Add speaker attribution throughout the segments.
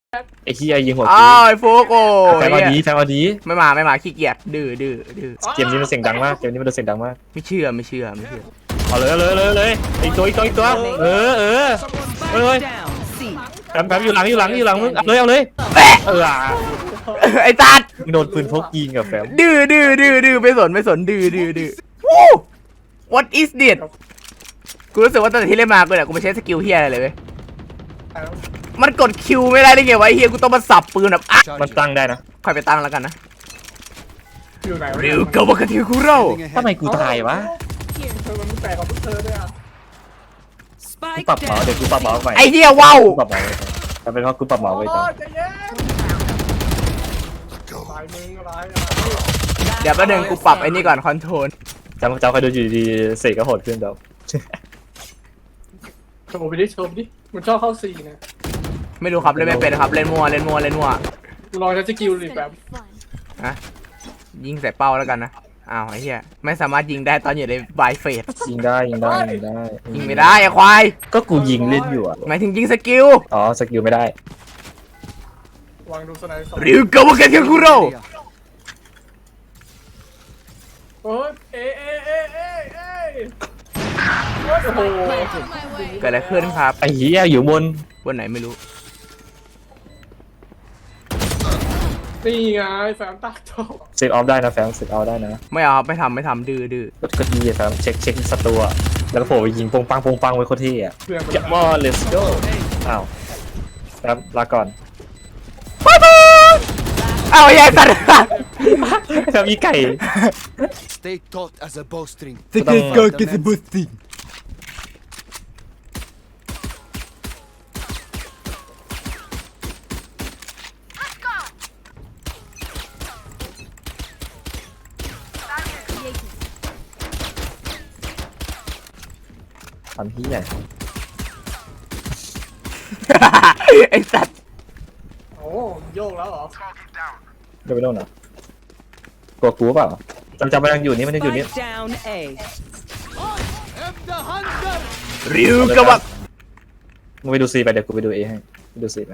Speaker 1: ไอ้ขี้ไอ้ยิงหัว
Speaker 2: อ้าวไอ้โฟกโอ้
Speaker 1: แฟนเอาดีแฟนเอาดี
Speaker 2: ไม่มาขี้เกียจดื้อ
Speaker 1: เกมนี้มันเสียงดังมากเกมนี้มันเสียงดังมาก
Speaker 2: ไม่เชื่อ
Speaker 1: เอาเลยอีกตัวเลยแป๊บอยู่หลังมึงเอาเลย
Speaker 2: ไอ้ตัด
Speaker 1: มึงโดนปืนพกยิงกับแฟม
Speaker 2: ดื้อไม่สนดื้อวู้ what is this กูรู้สึกว่าตอนที่เล่นมากูเนี่ยกูไม่ใช้สกิลเฮียอะไรเลยเว้ยมันกดคิวไม่ได้ได้ไงวะเฮียกูต้องมาสับปืนแบบ
Speaker 1: มันตั้งได้นะ
Speaker 2: ค่อยไปตั้งแล้วกันนะ
Speaker 3: อยู่ไหนวะ
Speaker 2: ริวเกาวากาติคุโร่
Speaker 1: ทำไมกูตายวะ
Speaker 3: เธอมันแปลกกว่าพวกเธอด้วยอ่ะ
Speaker 1: กูปรับเมาส์เดี๋ยวกูปรับเมาส์ไป
Speaker 2: ไอ้เฮียว้าว
Speaker 1: กูปรับเมาส์แต่เป็นเพราะกูปรับเมาส์ไว้จัง
Speaker 3: ใจเย็นสายมึงอะไร
Speaker 2: เดี๋ยวแป๊บนึงกูปรับไอ้นี่ก่อนคอนโทรล
Speaker 1: จำใครดูอยู่ดีเสกก็โหดขึ้นเดี๋ยว
Speaker 3: โชว์ไปดิมันชอบเข้าซีนะ
Speaker 2: ไม่รู้ครับเล่นไม่เป็นครับเล่นมั่ว
Speaker 3: ลองใช้สกิลดิแบบ
Speaker 2: อะยิงใส่เป้าแล้วกันนะอ้าวไอ้เหี้ยไม่สามารถยิงได้ตอนอยู่ในไวเฟส
Speaker 1: ยิงได้
Speaker 2: ยิงไม่ได้ไอ้ควาย
Speaker 1: ก็กูยิงเล่นอยู่อ่ะ
Speaker 2: หมายถึงยิงสกิล
Speaker 1: อ๋อสกิลไม่ได้
Speaker 3: วางดูสไนด์สอง
Speaker 2: ริวเกาวากาติคุโร่
Speaker 3: โอ้ยเโอ้โห
Speaker 2: เกิดอะไรขึ้นครับ
Speaker 1: ไอ้เหี้ยอยู่บน
Speaker 2: บนไหนไม่รู้
Speaker 3: นี่ไงแฟมตักโต
Speaker 1: เซฟออฟได้นะแฟมเซฟออฟได้นะ
Speaker 2: ไม่เอาครับไม่ทำดื้อ
Speaker 1: ก็ดีแฟมเช็คศัตรูอะแล้วก็โผล่ไปยิงปงปังไว้โคตรเท่อะ
Speaker 3: เพื่อน
Speaker 1: Come on let's go อ้าวแฟมลาก่อน
Speaker 2: อ้าวไอ้ยัยสัตว์
Speaker 1: แฟมมีไก่
Speaker 4: Stay taut as a bowstring.
Speaker 2: สกิลก็กิสบุสติ
Speaker 1: ทำที่ไหน
Speaker 2: ไอ้สัตว์
Speaker 3: โอ้โยกแล้วเหรอ
Speaker 1: เดี๋ยวไปโน่นเหรอ กลัวกูเปล่าจำมันยังอยู่นี่มันยังอยู่นี่
Speaker 5: Spike down A.
Speaker 4: I'm the hunter.
Speaker 2: ริวเกาวะ
Speaker 1: มึงไปดูซีไปเดี๋ยวกูไปดูเอให้ไปดูซีไป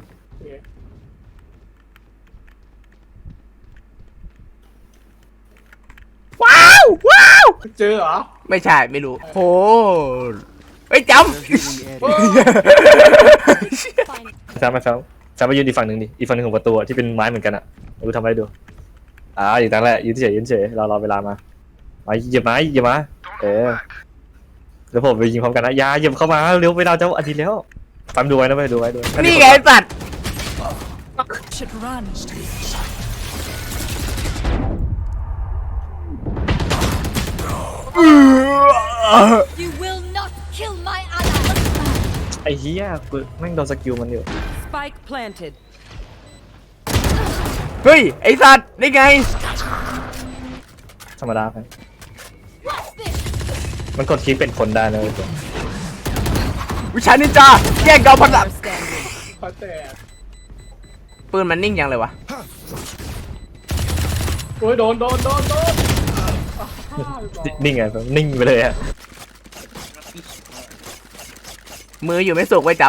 Speaker 2: ว้าว
Speaker 3: เจอเหรอ
Speaker 2: ไม่ใช่ไม่รู้โหไอ้ยจ
Speaker 1: แฟมไปยืนอีกฝั่งหนึ่งดิอีกฝั่งหนึ่งของประตูอะที่เป็นไม้เหมือนกันอะกูทำอะไรดูอยู่ตั้งแหละยืนเฉยรอเวลามาเหยียบมาแล้วผมไปยิงพร้อมกันนะอย่าเหยียบเข้ามาเร็วเวลาจะอาทิตย์แล้วฟังดูไว้นะดูไว้
Speaker 2: ำนี่ไงไอ้สัตว์
Speaker 5: Should run.
Speaker 6: You will not kill my ally.
Speaker 1: ไอ้เหี้ยกูแม่งโดนสกิลมันอยู่
Speaker 5: Spike planted.
Speaker 2: เฮ้ยไอ้สัตว์นี่ไง
Speaker 1: ธรรมดาไปมันกดคลิกเป็นคนได้นะเลย
Speaker 2: วิชานินจาแย่งเกาพันดับ
Speaker 5: Standing.
Speaker 3: พอแต่
Speaker 2: ปืนมันนิ่งยังเลยวะ
Speaker 3: โอ้ยโดน
Speaker 1: นิ่งไงนิ่งไปเลยอะ
Speaker 2: มืออยู่ไม่สุกไว้จ
Speaker 3: เหรอ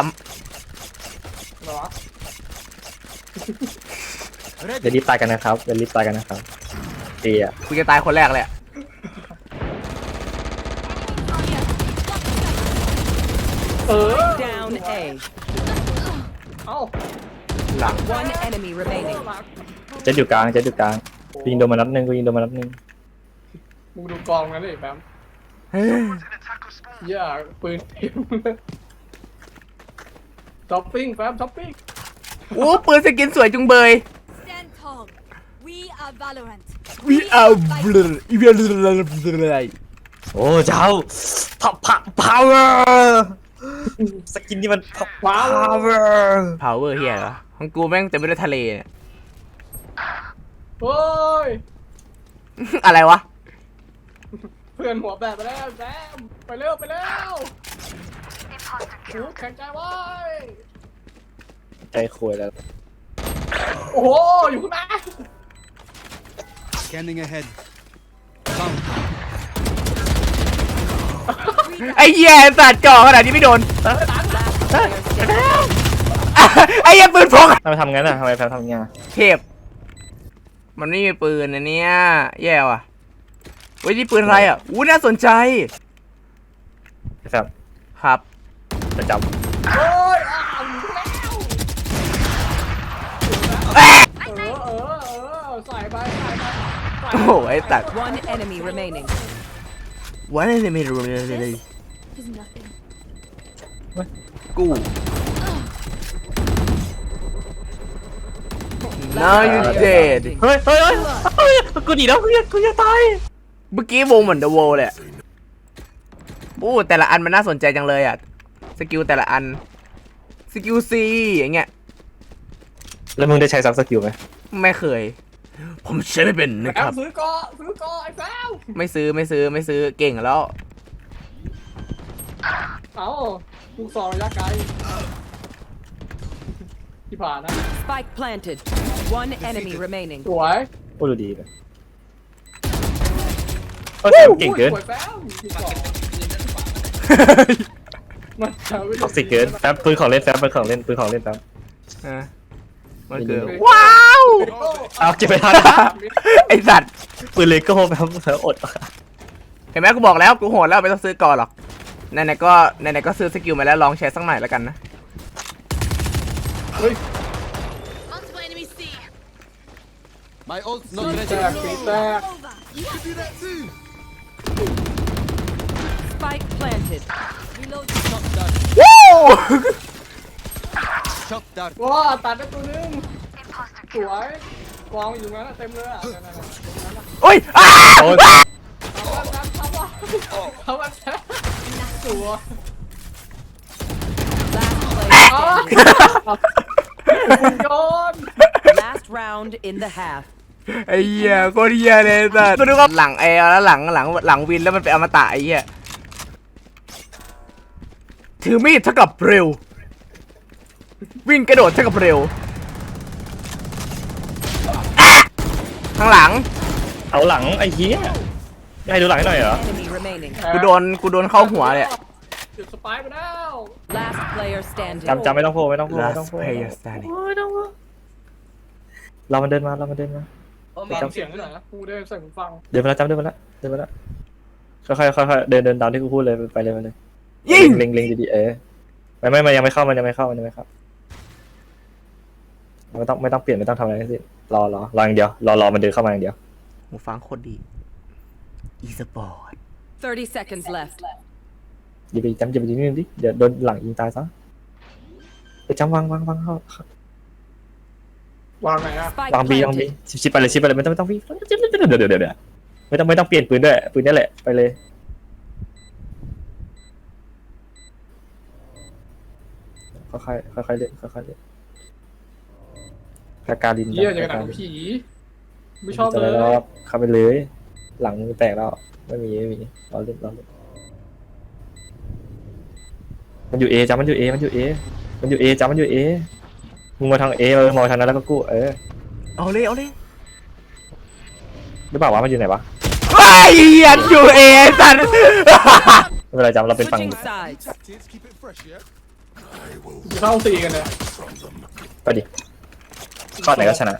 Speaker 1: อย่ารีบตายกันนะครับเดีย
Speaker 2: ำกูจะตายคนแรกเลยอะ
Speaker 5: Down A.
Speaker 3: เอ้า
Speaker 2: หลัง
Speaker 5: One enemy remaining.
Speaker 1: เจ็ดอยู่กลางยิงโดนมานัดหนึ่ง
Speaker 3: มึงดูกองกันเลยแฟมอย่าปืนเต็มเลยช้อปปิ้งแฟมช้อปปิ้ง
Speaker 2: โอ้ปืนสกินสวยจุงเบย
Speaker 6: Stand tall. We are Valorant.
Speaker 2: We are blur อีเวนต์อะไร
Speaker 1: โอ้เจ้าpower สกินนี่มัน power
Speaker 2: power เฮียเหรอของกูแม่งเต็มไปด้วยทะเลเนี่ย
Speaker 3: โอ้ย
Speaker 2: อะไรวะ
Speaker 3: เพื่อนหัวแบบไปแล้วแซมไปเร็วโอ้แข็งใจไว้
Speaker 1: ใจคุยแล้ว
Speaker 3: โอ้โหอยู่ข้างหน้า
Speaker 4: Scanning ahead. Come.
Speaker 2: ไอ้เหี้ยสัตว์จ่อขนาดนี้ไม่โดน
Speaker 5: Last player standing.
Speaker 2: ไอ้เหี้ยปืนพก
Speaker 1: ทำไมทำงั้นอ่ะทำไมแพมทำงั้นอะ
Speaker 2: เทพมันไม่มีปืนนะเนี่ยแย่ว่ะเว้ยนี่ปืนอะไรอ่ะอู้น่าสนใจ
Speaker 1: แพม
Speaker 2: ครับ
Speaker 1: จะจ
Speaker 3: โอ้ยใส่ไปใส่ไป
Speaker 2: โอ้โหไอ้ตัด
Speaker 5: One enemy remaining.
Speaker 2: วันนี้ไม่รู้เลย
Speaker 6: Is nothing.
Speaker 2: กู Now you dead
Speaker 1: ำเฮ้ยกูหนีแล้วกูจะตาย
Speaker 2: เมื่อกี้วงเหมือน The Wall เลยอะโอ้แต่ละอันมันน่าสนใจจังเลยอ่ะสกิลแต่ละอันสกิล C อย่างเงี้ย
Speaker 1: แล้วมึงได้ใช้ซับสกิลไหม
Speaker 2: ไม่เคย ผมใช้ไม่เป็นนะ
Speaker 3: แอ
Speaker 2: ค
Speaker 3: ม
Speaker 2: รับ
Speaker 3: ซื้อเกาะไอ้แฟม
Speaker 2: ไม่ซื้อเก่งแล้ว
Speaker 3: เอ้าลูกซองระยะไกลที่ผ่านนะ
Speaker 5: Spike planted. One enemy remaining.
Speaker 3: สวย
Speaker 1: โอ้ดูดีเลยแพมเก่งเกิน
Speaker 3: สวยแฟมที่สองมันจะไม่
Speaker 1: ท็อกซิกเกินแฟมปืนของเล่นแฟมปืนของเล่นแฟม
Speaker 2: อ่ะมันคือ
Speaker 1: ดี
Speaker 2: ว้าว
Speaker 1: เอาเก็บไปทัน
Speaker 2: ไอสัตว์
Speaker 1: ปืนเลโก้แฟมอด
Speaker 2: เห็นไหมกูบอกแล้วกูโหดแล้วไม่ต้องซื้อก่อนหรอกไหนๆก็ซื้อสกิลมาแล้วลองใช้สักหน่อยแล้วกันนะ
Speaker 6: Multiple enemies C.
Speaker 4: My ult's not
Speaker 3: แต
Speaker 4: ready.
Speaker 3: กสีแตก
Speaker 6: Over. You have
Speaker 4: Do that too.
Speaker 5: Spike planted.
Speaker 6: reload.
Speaker 4: Shot dart.
Speaker 2: วู้
Speaker 4: Shot dart.
Speaker 3: ว้าตัดได้ตัวนึงสวยกองอยู่งั้นเต็มเลยอ่ะนั่นๆ
Speaker 2: โอ้ยอ้า
Speaker 1: โอ้ย
Speaker 3: ทำว่าสวย
Speaker 5: Last player standing.
Speaker 3: โยน
Speaker 5: Last round in the half.
Speaker 2: ไอ้เหี้ยโคตรเหี้ยเลยสัตว์กูนึกว่าหลังแล้วหลังวินแล้วมันเป็นอมตะไอ้เหี้ยถือมีดเท่ากับเร็ววิ่งกระโดดเท่ากับเร็วอ่ะข้างหลัง
Speaker 1: เอาหลังไอ้เหี้ยให้ดูหลังให้หน่อยเหรอ
Speaker 5: Enemy remaining.
Speaker 2: กูโดนเข้าหัวเลย
Speaker 3: จุดสปายไปแล้ว
Speaker 5: Last player standing.
Speaker 1: จำไม่ต้องโผล่ไม่ต้องโผล่
Speaker 2: Last player standing
Speaker 1: เรามันเดินมา
Speaker 3: ฟังเสียงหน่อยนะกูได้ใส่หูฟัง
Speaker 1: เดินมาแล้วค่อยๆเดินตามที่กูพูดเลยไปเลย
Speaker 2: ยิง
Speaker 1: เล็งดีๆไม่ยังไม่เข้ามันยังไม่เข้าไม่ต้องเปลี่ยนไม่ต้องทำอะไรทั้งสิ้นรออย่างเดียวรอมันเดินเข้ามาอย่างเดียว
Speaker 2: หูฟังโคตรดี e-sport
Speaker 5: 30 seconds left.
Speaker 1: อย่าไปจำนิดนึงดิเดี๋ยวโดนหลังยิงตายซะไปจำวางเข้าว
Speaker 3: างไหนอ่ะ
Speaker 5: Spike
Speaker 1: วางบี
Speaker 5: planted.
Speaker 1: ชิปไปเลยไม่ต้องพี่เดี๋ยวไม่ต้องเปลี่ยนปืนด้วยปืนนี่แหละไปเลยค่อยเล่นกาการิน
Speaker 3: เยี่ยอย่างหนังผีไม่ชอบเลย
Speaker 1: เข้าไปเลย หลังแตกแล้วไม่มีเราเล่นมันอยู่เอจ้ามันอยู่เอจ้ามันอยู่เอมึงมาทางเอมองทางนั้นแล้วก็กู้
Speaker 2: เอาเลย
Speaker 1: หรือเปล่าวะมันอยู่ไหนวะ
Speaker 2: ไอ้เหี้ยอยู่เอสัตว์
Speaker 1: ไม่เป็นไรจำเราเป็นฝั่ง
Speaker 5: Switching sides.
Speaker 4: Tactics, keep it fresh, yeah?
Speaker 3: จะเข้าตีกันเลย
Speaker 1: ไปดิข้อไหนก็ชนะ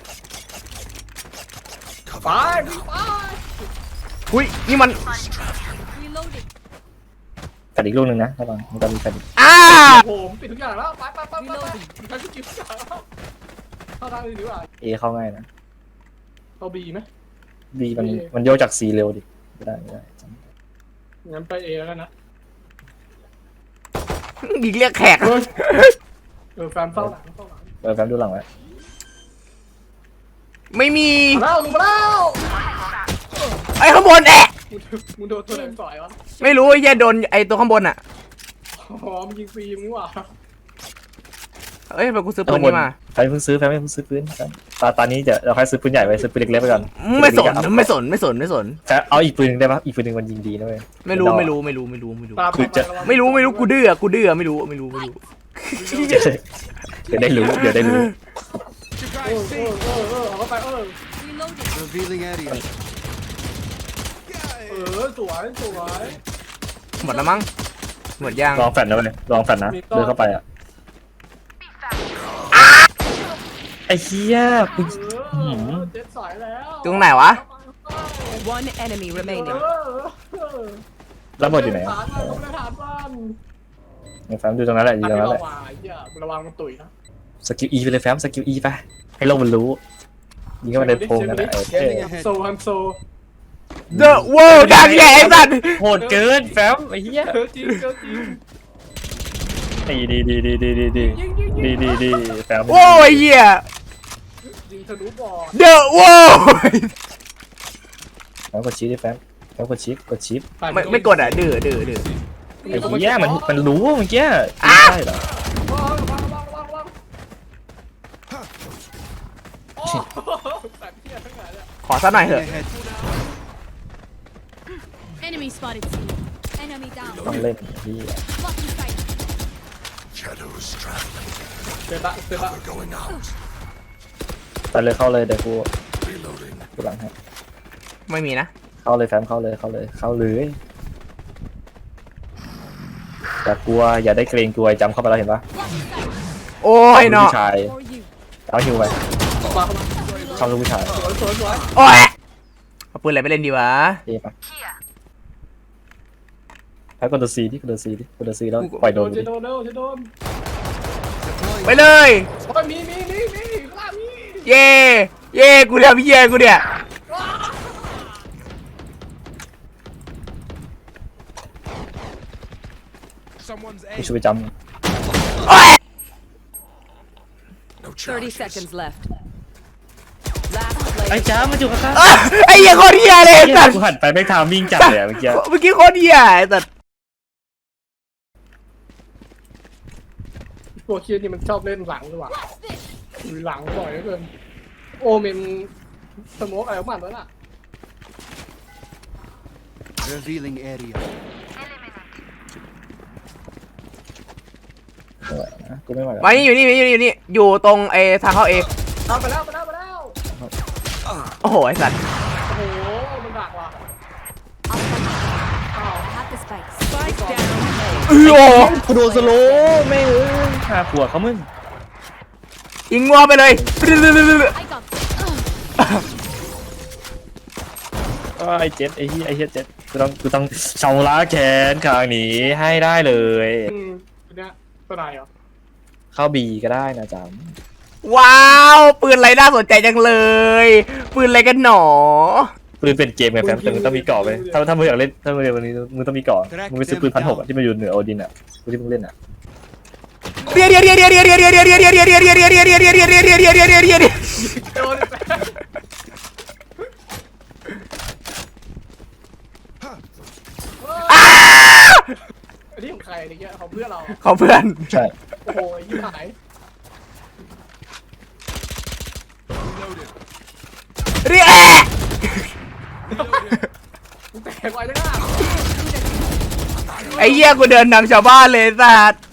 Speaker 3: ไป
Speaker 2: อุ้ยนี่มัน
Speaker 6: Reloading.
Speaker 1: แต่อีกลูกนึงนะระวังมันจะมีแต่
Speaker 2: อ้า
Speaker 3: ผมปิดทุกอย่างแล้วไปใช้สกิลทุกอย่างแล้วเข้าทางอื่นดีกว่า
Speaker 1: เอเข้าง่ายนะ
Speaker 3: เข้าบีไหม
Speaker 1: บีมันโยกจากซีเร็วดิไม่ได้
Speaker 3: งั้นไปเอแล้วนะ
Speaker 2: ยิงเรียกแขก
Speaker 3: แฟนเฝ้าหลัง
Speaker 1: แป๊บดูหลังไว้
Speaker 2: ไม่มี
Speaker 3: มาแล้วลงมาแล้ว
Speaker 2: ไอ้ข้างบนแอะ
Speaker 3: มึงโดนตัวไหนต่อยวะ
Speaker 2: ไม่รู้ไอ้เหี้ยโดนไอ้ตัวข้างบนอ่ะ
Speaker 3: อ๋อมึงยิงฟรีมึงว่ะ
Speaker 2: เอ้ยไปกูซื้อปืนนี้มา
Speaker 1: แฟนเพิ่งซื้อปืนตอนนี้เดี๋ยวเราค่อยซื้อปืนใหญ่ไปซื้อปืนเล็กๆไปก่อน
Speaker 2: ไม่สน
Speaker 1: แต่เอาอีกปืนนึงได้ปะอีกปืนนึงมันยิงดีนะเว้ย
Speaker 2: ไม่รู้กูดื้อไม่รู้
Speaker 1: เดี๋ยวได้รู้
Speaker 4: You
Speaker 3: เอ
Speaker 4: guys
Speaker 3: อ
Speaker 4: see?
Speaker 3: เอาไป
Speaker 6: Reloading.
Speaker 4: Revealing area.
Speaker 3: สวย
Speaker 2: หมดแล้วมั้งหมดยัง
Speaker 1: ลองแฟนนะเว้ยลองแฟนนะเดินเข้าไปอ่ะ
Speaker 2: อ
Speaker 1: ไอ้เหี้ยกู
Speaker 3: เจ็ดสอยแล้ว
Speaker 2: ตรงไหนวะ
Speaker 5: One enemy remaining.
Speaker 1: แล้วหมดอยู่ไหน
Speaker 3: ฐานมันต้องฐานบ้าน
Speaker 1: แฟมดูตรงนั้นแหละอยู่ตรงนั้นแหละ
Speaker 3: ระวังมันตุ๋ยนะ
Speaker 1: สกิล E ไปเลยแฟมสกิล E ไปให้โลกมันรู้ยิงเข้ามาในโพรงนั่นแหละ
Speaker 4: Scanning ahead.
Speaker 3: โซฮันโซ
Speaker 2: The World ดังใหญ่ไอ้สัตว์
Speaker 1: โหดเกินแฟมไอ้เหี้ย
Speaker 3: เกินจริงเกินจริง
Speaker 1: ดีแฟม
Speaker 2: โอ้ยเหี้ย
Speaker 3: ยิงทะลุบ่อ
Speaker 2: The World
Speaker 1: แฟมกดชิปดิแฟมกดชิป
Speaker 2: ไม่กดอ่ะดื้อ
Speaker 1: ไอ้เหี้ยมันรู้เมื่อกี้ใช่เหรอ
Speaker 3: ระวังโอ้แบบเที่ยทั้งหลายเลย
Speaker 2: ขอสักหน่อยเถอะ
Speaker 4: Ahead.
Speaker 6: Enemy spotted. Enemy down.
Speaker 1: ต้องเล่นที่
Speaker 6: Blocking sight.
Speaker 3: เซบะ
Speaker 1: ไปเลยเข้าเลยเดี๋ยวกูหลังให้
Speaker 2: ไม่มีนะ
Speaker 1: เข้าเลยแฟมเข้าเลยอย่ากลัวอย่าได้เกรงกลัวจำเข้าไปแล้วเห็นปะ
Speaker 6: Blocking sight.
Speaker 2: โอ้ยเนาะ
Speaker 1: ผู้ชาย
Speaker 6: For you.
Speaker 1: เอาฮิวไป
Speaker 3: มา
Speaker 1: เข้าลูกผู้ชาย
Speaker 3: สวย
Speaker 2: โอ้ยเอาปืนอะไรไปเล่นดีวะ
Speaker 1: เท่ปะแพ้กดตัวซีดิกดตัวซีแล้วปล่อยโด
Speaker 3: โด
Speaker 1: น
Speaker 3: น
Speaker 1: ไป
Speaker 3: จะ
Speaker 1: ดิ
Speaker 3: โดนจะโดน
Speaker 2: ไปเลย
Speaker 3: โอ้ยมีข้างล่างมี
Speaker 2: เย่กูทำเหี้ยกูเนี่ย
Speaker 4: Someone's
Speaker 1: กู
Speaker 4: aim.
Speaker 1: ช่วยจ
Speaker 2: โอ้ย
Speaker 5: 30 seconds left. Last
Speaker 1: ำไอ้
Speaker 5: player.
Speaker 1: จ้ามันอยู่ข้าง
Speaker 2: อ่ะไอ้เหี้ยโคตรเหี้ยเลยไอ้สัตว์
Speaker 1: กูหันไปไม่ทามวิ่งจัดเลยเมื่อกี้
Speaker 2: เมื่อกี้โคตรเหี้ยไอ้สัตว์
Speaker 3: ตัวเคียนี่มันชอบเล่นหลังด้วยว่ะอยู่หลังบ่อยเหลือเกินโอเมนสโมกอะไรของมันวะน่ะ
Speaker 4: Revealing area.
Speaker 1: กูไม่ไหวแล้ว
Speaker 2: มานี่อยู่นี่อยู่ตรงทางเข้าเอ
Speaker 3: เอาไปแล้ว
Speaker 2: โอ้โหไอ้สัตว์
Speaker 3: โอ้โหมันดักว่ะ
Speaker 6: Have the spikes.
Speaker 5: Spike down. A.
Speaker 2: โอ้โห
Speaker 1: กูโดนสโลแม่งหาผัวเขามึง
Speaker 2: ยิงงัวไปเลย
Speaker 6: I got.
Speaker 1: ไอ้เจ็ดไอ้เหี้ยเจ็ดกูต้องชำระแขนข้างนี้ให้ได้เลย
Speaker 3: เนี่ยตัวไหนเหรอ
Speaker 1: เข้าบีก็ได้นะจ๊ะ
Speaker 2: ว้าวปืนอะไรน่าสนใจจังเลยปืนอะไรกันหนอ
Speaker 1: ปืนเป็นเกมไงแฟมแต่มึงต้องมีเกราะไปถ้ามึงอยากเล่นถ้ามึงเล่นวันนี้มึงต้องมีเกราะมึงไปซื้อปืน1,600ที่มันอยู่เหนือโอดินอ่ะที่มึงเล่นอ่ะ
Speaker 2: เรียน
Speaker 3: โดนอันนี้ของใครอะไรเงี้ยของเพื่อนเรา
Speaker 2: ขอเพื่อน
Speaker 1: ใช่
Speaker 3: โอ้โหยิ่งหาย
Speaker 2: เรีย
Speaker 3: แตกไว้จังอ่ะ
Speaker 2: ไอ้เหี้ยกูเดินนำชาวบ้านเลยสัตว์